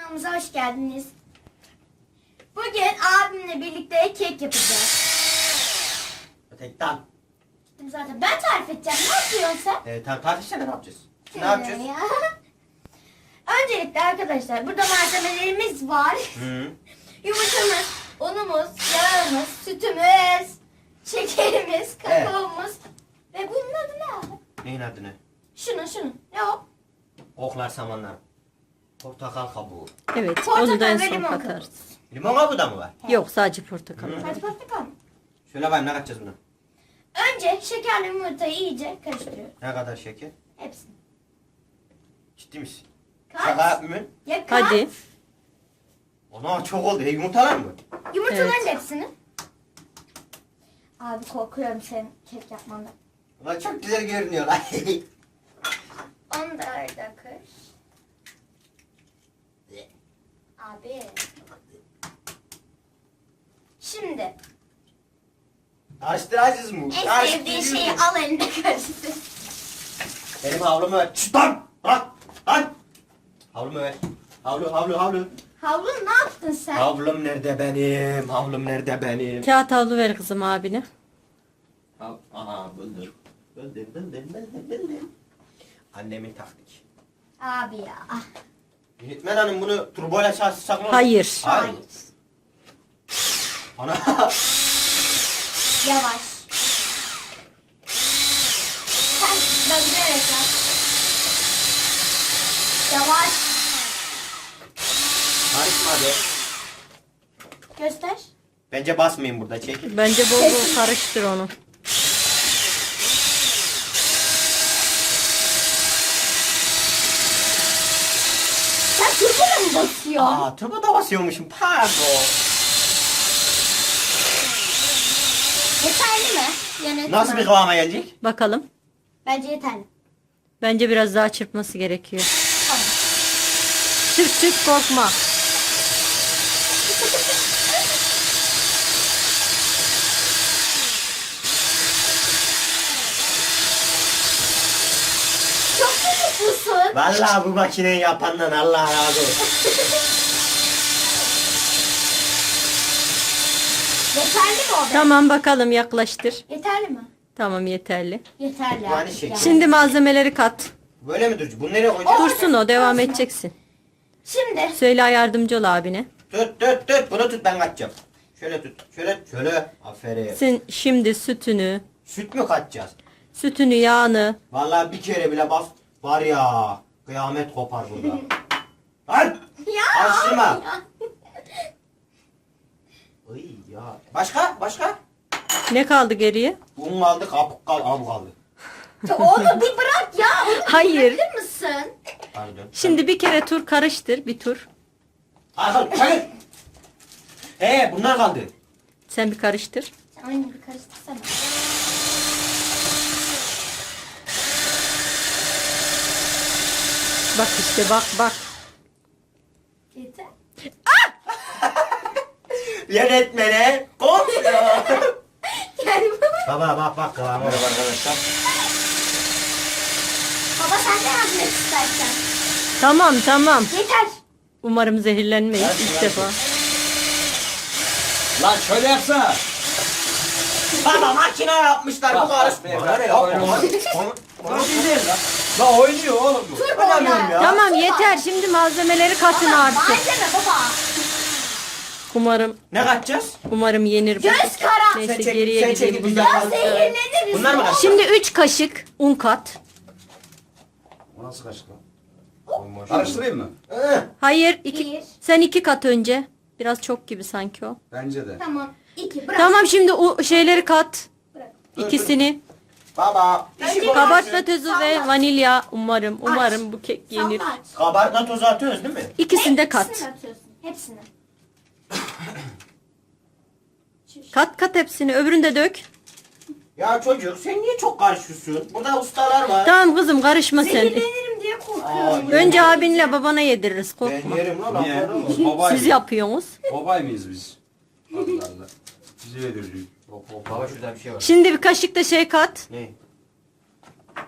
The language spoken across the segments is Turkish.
Kanalımıza hoş geldiniz. Bugün abimle birlikte kek yapacağız. Tekten. Gittim zaten. Ben tarif edeceğim. Ne yapıyorsun sen? Tartışsana ne yapacağız? Ne yapacağız? Ya. Öncelikle arkadaşlar burada malzemelerimiz var. Hı. Yumurtamız, unumuz, yağımız, sütümüz, şekerimiz, kakaomuz ve bunun adı ne abi? Neyin adı ne? Şunun. Ne o? Oklar samanlar. Portakal kabuğu. Evet, Portakal onu da en ve son limon katarız. Limon kabuğu da mı var? Yok, sadece portakal. Hı. Hadi portakal. Şöyle bakayım ne katacağız buna? Önce şekerle yumurtayı iyice karıştırıyoruz. Ne kadar şeker? Hepsini. Ciddi misin? Kaç? Şaka yapmıyorsun. Ya kaç? Hadi. Ana çok oldu. Yumurtalar mı? Yumurtaların Evet. hepsini. Abi korkuyorum senin kek yapmandan. Ulan çok güzel görünüyor lan. Onu da öyle kır. Abi. Şimdi Karıştıracağız mı? en sevdiğin şeyi al eline karıştır. Benim havlumu ver. Şşt lan! Lan! Lan! Havlumu ver. Havlu. Havlu ne yaptın sen? Havlum nerede benim? Havlum nerede benim? Kağıt havlu ver kızım abine. Aha buldum. Buldum. Annemin taktik. Abi ya. Yönetmen hanım bunu turboyla çalışsak mı? Hayır. Hayır. Ana. Yavaş. Sen döndürerek yap. Yavaş. Karışma hadi. Göster. Bence basmayın burada çekil. Bence bol bol karıştır onu. Sen turboya mı basıyorsun? Aa turbo da basıyormuşum pardon. Yeterli mi? Yönetmen. Nasıl bir kıvama gelecek? Bakalım. Bence yeterli. Bence biraz daha çırpması gerekiyor. Tamam. Çırp korkma. Çok mutlusun. Vallahi bu makineyi yapandan Allah razı olsun. Yeterli mi o be? Tamam, bakalım, yaklaştır. Yeterli mi? Tamam, yeterli. Yeterli. Yani artık şeker. Şimdi malzemeleri kat. Böyle mi duracak? Bunu nereye koyacağız? Dursun o, devam edeceksin. Şimdi Söyle, yardımcı ol abine. Tut. Bunu tut ben kaçacağım. Şöyle tut. Şöyle. Aferin. Sen şimdi Süt mü kaçacağız? sütünü, yağını. Vallahi bir kere bile bas. Var ya. Kıyamet kopar burada. Lan! ya. Karıştırma. Ya. Ay ya. Başka? Ne kaldı geriye? Un kaldı, kabuk kaldı. Onu bir bırak ya. Onu Hayır. bırakır mısın? Pardon. Şimdi bir kere tur karıştır, bir tur. Hayır. Bunlar kaldı. Sen bir karıştır. Sen oyunu bir karıştırsana. Bak işte, bak. Yeter. Yönetmene komşu. Yani Baba bak kıvamı var arkadaşlar. baba sen de yardım et istersen. Tamam. Yeter. Umarım zehirlenmeyiz Hadi, ilk hadi. defa. Lan şöyle yapsana. Baba makine yapmışlar bu Bak, karışmıyor. bak, Böyle bak, yapma. Lan değil lan. Lan oynuyor oğlum bu. Oynamıyorum ya. Tamam, yeter, şimdi malzemeleri katın Baba artık. malzeme baba. Umarım Ne kaçacağız? yenir bu. Göz kara. Neyse, Sen çek- geriye sen gideyim. çekil, bundan. biz Ya Bunlar zehirleniriz. Bunlar mı kaçacak? Şimdi 3 kaşık un kat. O nasıl kaçtı lan? Karıştır. Karıştırayım mı? Hayır, Bir. sen 2 kat önce. Biraz çok gibi sanki o. Bence de. Tamam. 2 bırak. Tamam, şimdi o şeyleri kat. Bırak. İkisini. Baba. Önce Kabartma tozu ve Sallat. vanilya. Umarım bu kek yenir. Sallat. Kabartma tozu atıyoruz değil mi? İkisini de Hepsini kat. atıyorsun. Hepsini. Kat hepsini. Öbürünü de dök. Ya çocuk sen niye çok karışıyorsun? Burada ustalar var. Tamam kızım, karışma sen. Zehirlenirim diye korkuyorum. Önce abinle babana yediririz, Ben korkma. yerim lan. Niye? aferin. Babay Siz yapıyorsunuz. Babay mıyız biz? Allah Allah. Bize yediriyor. Baba şurada bir şey var. Şimdi bir kaşık da şey kat. Ne?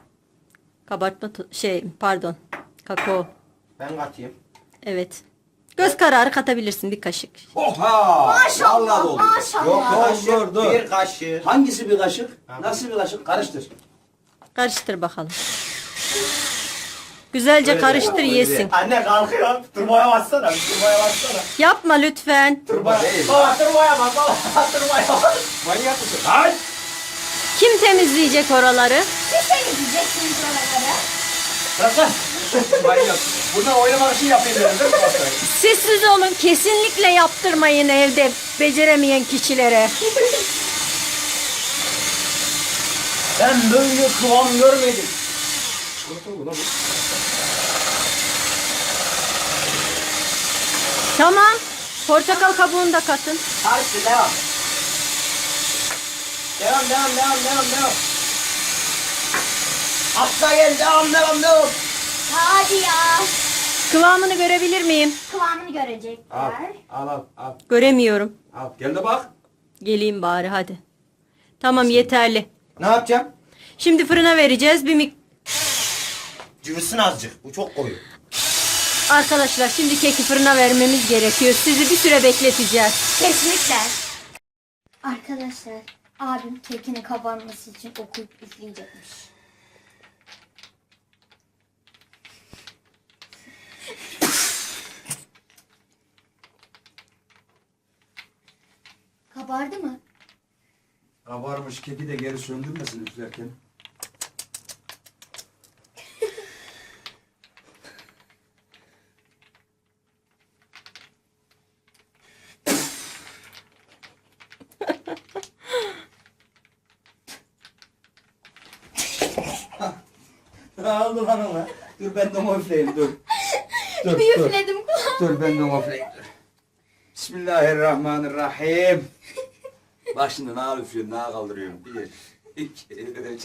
Kakao. Ben katayım. Evet. Göz kararı katabilirsin bir kaşık. Oha! Maşallah, Vallahi doldu. maşallah. Yok Kaşık, dur. bir kaşık. Hangisi bir kaşık? Nasıl bir kaşık? Karıştır. Karıştır bakalım. Güzelce Böyle karıştır değil, yesin. Anne kalkıyor. Turbaya bassana. Turbaya bassana. Yapma lütfen. Turbaya. Değil. Baba turbaya bas. Baba turbaya bas. Manyak mısın? Hayır. Kim temizleyecek oraları? Siz temizleyeceksiniz oraları. Bırak lan. Manyak. Bundan oynamak için yapayım dedim değil mi pastayı? Sessiz olun. Kesinlikle yaptırmayın evde beceremeyen kişilere. Ben böyle kıvam görmedim. Çikolata mı lan bu? Tamam. Portakal kabuğunu da katın. Hadi devam. Devam. Atla gel devam. Hadi ya. Kıvamını görebilir miyim? Kıvamını Al. görecekler. Al. Göremiyorum. Al. Gel de bak. Geleyim bari hadi. Tamam yeterli. Ne yapacağım? Şimdi fırına vereceğiz. Cıvısın azıcık. Bu çok koyu. Arkadaşlar şimdi keki fırına vermemiz gerekiyor. Sizi bir süre bekleteceğiz. Kesinlikle. Arkadaşlar abim kekinin kabarması için okuyup üfleyecekmiş. Kabardı mı? Kabarmış keki de geri söndürmesin üflerken. Ne oldu lan ona? Dur ben de onu üfleyeyim dur. Dur Bir dur. üfledim kulağım. Dur ben de onu üfleyeyim dur. Bismillahirrahmanirrahim. Bak şimdi ne üflüyorum, ne kaldırıyorum. 1, 2, 3.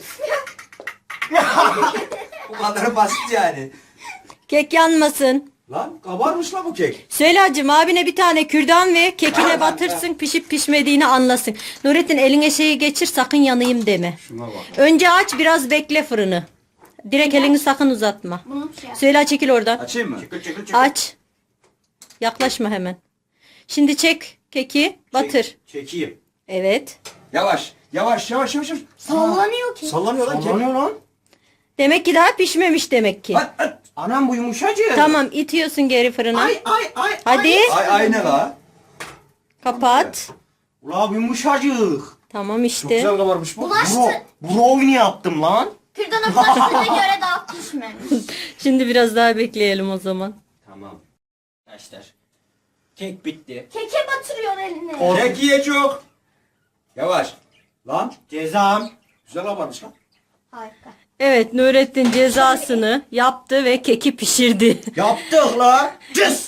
Bu kadar basit yani. Kek yanmasın. Lan kabarmış lan bu kek. Süheyla'cığım abine bir tane kürdan ve kekine batırsın pişip pişmediğini anlasın. Nurettin eline şeyi geçir sakın yanayım deme. Şuna bak. Önce aç biraz bekle fırını. Direkt elini sakın uzatma. Bunu şey yap. Süheyla çekil oradan. Açayım mı? Aç. Yaklaşma hemen. Şimdi çek keki batır. Çekeyim. Evet. Yavaş. Yavaş. Sallanıyor ki. Sallanıyor lan kek. Sallanıyor lan. Demek ki daha pişmemiş demek ki. At. Anam bu yumuşacık. Tamam itiyorsun geri fırına. Ay. Hadi Ay ne la? kapat. Ula bu yumuşacık. Tamam Çok işte. güzel kabarmış bu. Bulaştı. Brownie yaptım lan. Kürdana bulaştığına göre daha pişmemiş. Şimdi biraz daha bekleyelim o zaman. Tamam. Arkadaşlar. Kek bitti. Keke batırıyor elini. Kek ye çok. Yavaş. Lan Cezam. güzel kabarmış lan. Harika. Evet Nurettin cezasını yaptı ve keki pişirdi. Yaptık la. Cız.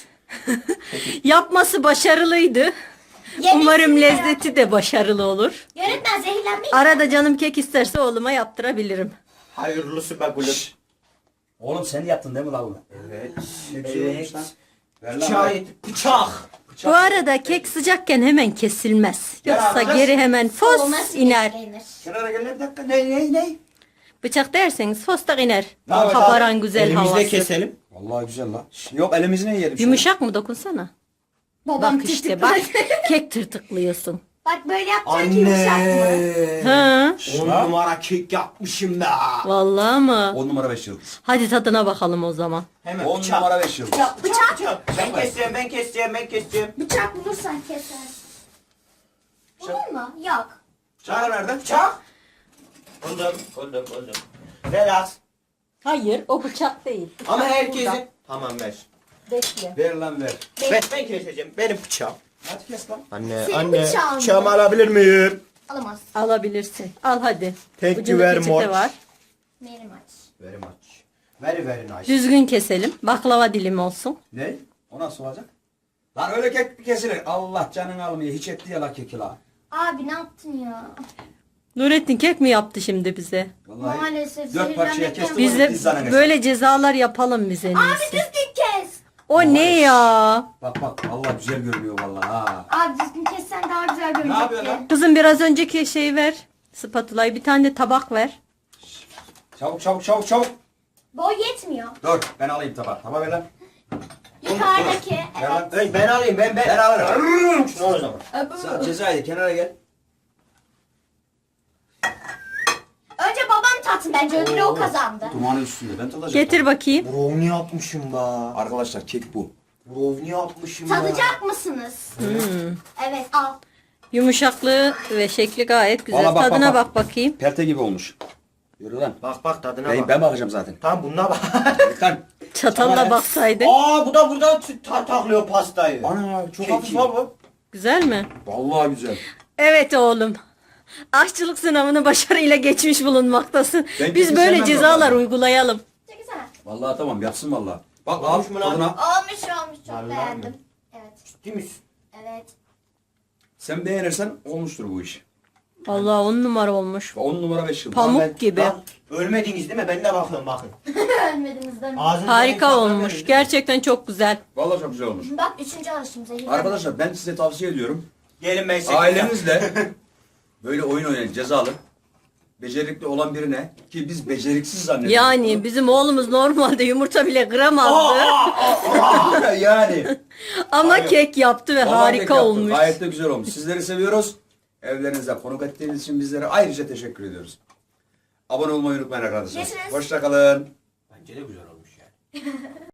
Yapması başarılıydı. Yemesi Umarım merak- lezzeti de başarılı olur. Yönetmen zehirlenmiş. Arada canım kek isterse oğluma yaptırabilirim. Hayırlısı be gülüm. Oğlum sen yaptın değil mi lan bunu? Evet. Ne güzel olmuş lan. Ver lan. Bıçağı ver. yedik. Bıçak. Bu arada kek sıcakken hemen kesilmez. Yoksa yapacağız? geri hemen fos Olması iner. beklenir. Kenara gel bir dakika. Ne? Bıçak derseniz fostak iner. Ne yapacağız? Kabaran güzel Elimizle havası. keselim. Vallahi güzel lan. Yok elimizle yiyelim. Yumuşak mı dokunsana? Babam Bak işte bak tırtıkladı. kek tırtıklıyorsun. Bak böyle yapacaksın ki yumuşak mı? Ha? 10 Ha? numara kek yapmışım da. Vallahi mı? 10 numara 5 yıldız. Hadi tadına bakalım o zaman. Hemen 10 bıçak. numara 5 yıldız. Ya bıçak. Ben keseceğim. Bıçak bulursan kesersin. Olur mu? Yok. Bıçağı nerede? Bıçak. Buldum. Relax. Hayır o bıçak değil. Ama herkesin. Tamam ver. Bekle. Ver lan ver. Ben keseceğim. Benim bıçağım. Hadi kes lan. Anne, Senin anne. bıçağın mı? Bıçağımı alabilir miyim? Alamaz. Alabilirsin. Al hadi. Thank you Ucunda very peçete much. var. Benim aç. Very much. Very nice. Düzgün keselim. Baklava dilimi olsun. Ne? O nasıl olacak? Lan öyle kek mi kesilir? Allah canını almıyor. Hiç etti ya la keki la. Abi ne yaptın ya? Nurettin kek mi yaptı şimdi bize? Vallahi Maalesef 4 parçaya zehirlenmekten- kestim. Biz de pizzanın hesabı. böyle cezalar yapalım bize en Abi iyisi. düzgün kes. O ne ya? Bak Allah güzel görünüyor vallahi ha. Abi düzgün kessen daha güzel görünecekti. Ne yapıyor lan? Kızım biraz önceki şeyi ver. Spatulayı bir tane de tabak ver. Çabuk. Boy yetmiyor. Dur ben alayım tabağı. Tabağı ver lan. Yukarıdaki. Evet. Ben alayım ben. Ben alırım. Şunu al o zaman. Sen Cezayir kenara gel. Önce babam tatsın bence ödülü o kazandı. Dumanı üstünde ben tadacağım. Getir bakayım. Brownie yapmışım be. Arkadaşlar kek bu. Brownie yapmışım be. Tadacak mısınız? Evet al. Yumuşaklığı ve şekli gayet güzel. Valla bak, Tadına bak. bak bakayım. Perte gibi olmuş. Yürü lan. Bak tadına Ben, bak. ben bakacağım zaten. Tamam bununla bak. Lan. Çatalla baksaydın. Aa bu da burada taklıyor pastayı. Ana çok Keki. hafif ha bu. Güzel mi? Vallahi güzel. Evet oğlum. Aşçılık sınavını başarıyla geçmiş bulunmaktasın. Ben Biz kesin böyle sevmem cezalar normalde. uygulayalım. Çekilsene. Vallahi tamam yapsın vallahi. Bak Olmuş al mu lan? tadına. Olmuş çok Vallahi beğendim. mi? Evet. Değil misin? Evet. Sen beğenirsen olmuştur bu iş. Allah 10 numara olmuş. 10 numara 5 yıldız. Pamuk Ben- gibi. Lan, ölmediniz değil mi? Ben de bakıyorum bakın. Ölmediniz değil mi? Ağzınızdan Harika tadına olmuş. verin. Gerçekten çok güzel. Vallahi çok güzel olmuş. Bak 3. alışım zehirlenme. Arkadaşlar ben size tavsiye ediyorum. Gelin ben size. Ailenizle böyle oyun oynayın cezalı. Becerikli olan birine ki biz beceriksiz zannediyoruz. Yani bizim oğlumuz normalde yumurta bile kıramazdı. yani. Ama kek yaptı ve Vallahi harika kek yaptı. olmuş. Gayet de güzel olmuş. Sizleri seviyoruz. Evlerinizde konuk ettiğiniz için bizlere ayrıca teşekkür ediyoruz. Abone olmayı unutmayın arkadaşlar. Görüşürüz. Hoşça kalın. Bence de güzel olmuş yani.